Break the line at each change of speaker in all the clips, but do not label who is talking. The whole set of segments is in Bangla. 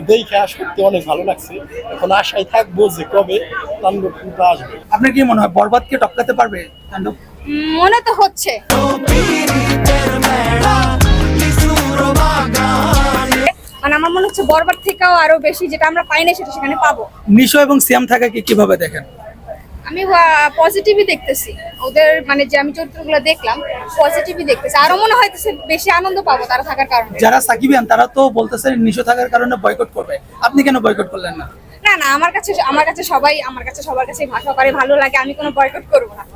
দেখে সত্যি অনেক ভালো লাগছে। এখন আশায় থাকবো যে কবে তাণ্ডব টুটা আসবে।
আপনার কি মনে হয় বরবাদকে টপকাতে পারবে তাণ্ডব?
মনে তো হচ্ছে। মানে আমার মনে হচ্ছে বরবাদ থেকেও আরো বেশি যেটা আমরা পাই না সেটা সেখানে পাবো।
নিশো এবং সিয়াম থাকাকে কিভাবে দেখেন?
আমি পজিটিভই দেখতেছি ওদের, মানে যে আমি চরিত্রগুলো দেখলাম পজিটিভই দেখতেছি। আরো মনে হইতেছে বেশি আনন্দ পাবো তারা থাকার কারণে।
যারা সাকিবিয়ান তারা তো বলতেছে নিশো থাকার কারণে বয়কট করবে, আপনি কেন বয়কট করলেন না?
না না, আমার কাছে সবার কাছে ভাষা করে ভালো লাগে, আমি কোনো বয়কট করবো না।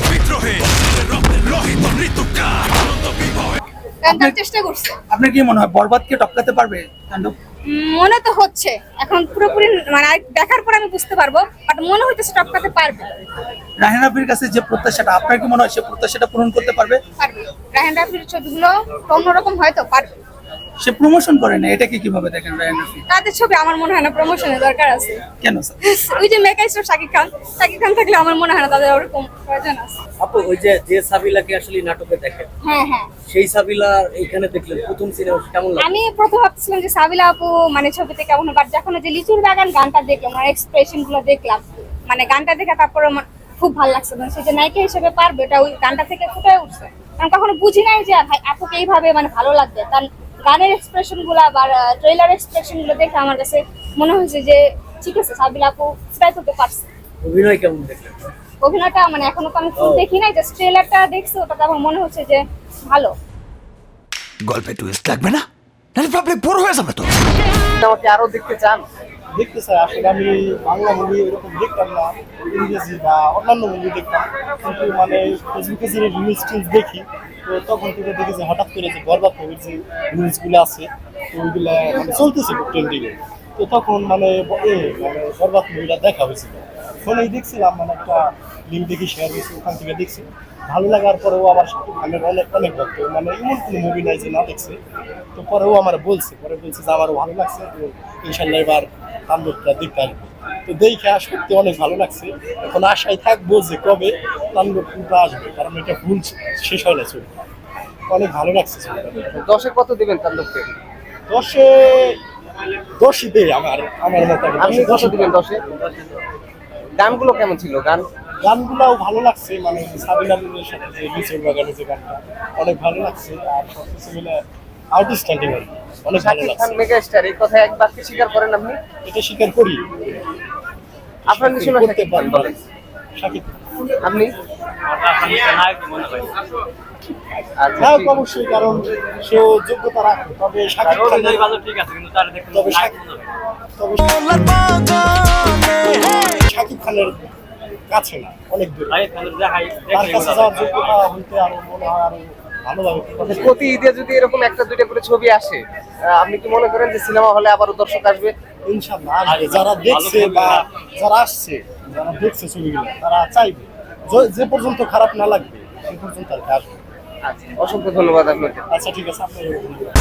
তার চেষ্টা করছে।
আপনার কি মনে হয় বরবাদকে টপকাতে পারবে তাণ্ডব?
মনে তো হচ্ছে, এখন পুরোপুরি মানে দেখার পর আমি বুঝতে পারবো, বাট মনে হইতেছে টপকাতে পারবে।
রাহেন রাফির কাছে যে প্রত্যাশাটা, আপনার কি মনে হয় সে প্রত্যাশাটা পূরণ করতে পারবে?
পারবে। রাহেন রাফির ছবিগুলো অন্যরকম হয়তো পারবে।
সে প্রমোশন করে না, এটাকে কিভাবে দেখেন রাহেন রাফি?
তাদের ছবি আমার মনে হয় না প্রমোশনের দরকার আছে।
কেন স্যার?
ওই যে মেকাইস্টার শাকিব খান থাকলে আমার মনে হয় না তাদের ওরকম প্রয়োজন আছে।
আপু ওই যে সাবিলাকে আসলে নাটকে দেখেন,
হ্যাঁ হ্যাঁ,
সেই সাবিলা এখানে দেখলেন প্রথম সিনেমা কেমন লাগে?
আমি প্রথম ভাবছিলাম যে সাবিলা আপু মানে ছবিতে কেমন, বাট যখন যে লিচুর বাগান গানটা দেখলাম, মানে এক্সপ্রেশন গুলো দেখলাম, মানে গানটা দেখে তারপরে আমার খুব ভালো লাগছে। মানে সে যে নায়িকা হিসেবে পারবে এটা ওই গানটা থেকে ফুটে উঠছে। কারণ কখনো বুঝি নাই যে আপুকে এইভাবে মানে ভালো লাগবে। তার গানের এক্সপ্রেশন গুলা বা ট্রেলার এক্সপ্রেশন গুলো দেখে আমার কাছে মনে হয়েছে যে ঠিক আছে, সাবিলা আপু ট্রাই করতে পারছে।
অভিনয় কেমন দেখলেন?
অভিনয়টা মানে এখনো তো আমি ফুল দেখি নাই, জাস্ট ট্রেলারটা দেখছি, ওটাতে আমার মনে হচ্ছে যে ভালো।
গল্পে টুইস্ট লাগবে না, নাহলে প্রবলেম বড় হয়ে যাবে তো।
আমাকে আরো দেখতে চান?
দেখতে চাই আসলে, আমি বাংলা মুভি এরকম দেখতাম না, ইংরেজি বা অন্যান্য মুভি দেখতাম, কিন্তু মানে ফেসবুকে যে রিলস টিলস দেখি, তো তখন থেকে দেখি যে হঠাৎ করে যে বরবাদ মুভির যে রিলসগুলো আছে, তো ওইগুলো মানে চলতেছে খুব ট্রেন্ডিংয়ে। তো তখন মানে মানে বরবাদ মুভিটা দেখা হয়েছিল, ফোনেই দেখছিলাম, মানে একটা লিঙ্ক দেখি শেয়ার হয়েছে, ওখান থেকে দেখছি। ভালো লাগার পরেও আবার শাকিব খানের অনেক ভক্ত, মানে এমন কোনো মুভি নাই যে না দেখছে। তো পরেও আমার বলছে যে আমারও ভালো লাগছে, তো ইনশাল্লাহ এবার তাণ্ডবটা দেখতে আসবো। তো দেখে সত্যি অনেক ভালো লাগছে। এখন আশায় থাকবো যে কবে তাণ্ডব টুটা আসবে, কারণ এটা ভুল শেষ হয় না ছবি। অনেক ভালো লাগছে ছবিটা।
10-এ কত দিবেন তাণ্ডবকে?
10-ই দেই আমার মতো।
আপনি কত দিবেন 10-এ? গানগুলো কেমন ছিল?
গানগুলাও ভালো লাগছে, মানে সাবিনা নূরের সাথে যে লিচুর বাগানে যে গানটা অনেক ভালো লাগছে, আর সবকিছু মিলে আউটস্ট্যান্ডিং আর কি, অনেক ভালো
শাকিব
লাগছে।
খান মেগাস্টার, এই কথা একবার কি স্বীকার করেন আপনি?
এটা স্বীকার করি।
আপনার নিশানা
করতে
শাকিব খান বলেন।
শাকিব
আপনি? আচ্ছা,
হ্যাঁ
ঠিক।
অবশ্যই, কারণ সেও যোগ্যতা রাখে, তবে শাকিব খান তবে শাকিব খানের কাছে না, অনেক দূরে। তার কাছে যাওয়ার যোগ্যতা হইতে আরো মনে হয় আরো ভালোভাবে
প্রতি ঈদে যদি এরকম একটা দুইটা করে ছবি আসে, আপনি কি মনে করেন যে সিনেমা হলে আবারও দর্শক আসবে?
ইনশাল্লাহ আসবে। যারা দেখছে বা যারা আসছে, যারা দেখছে ছবিগুলো, তারা চাইবে যে পর্যন্ত খারাপ না লাগবে সে পর্যন্ত আর কি আসবে।
আচ্ছা, অসংখ্য ধন্যবাদ আপনাকে।
আচ্ছা ঠিক আছে, আপনার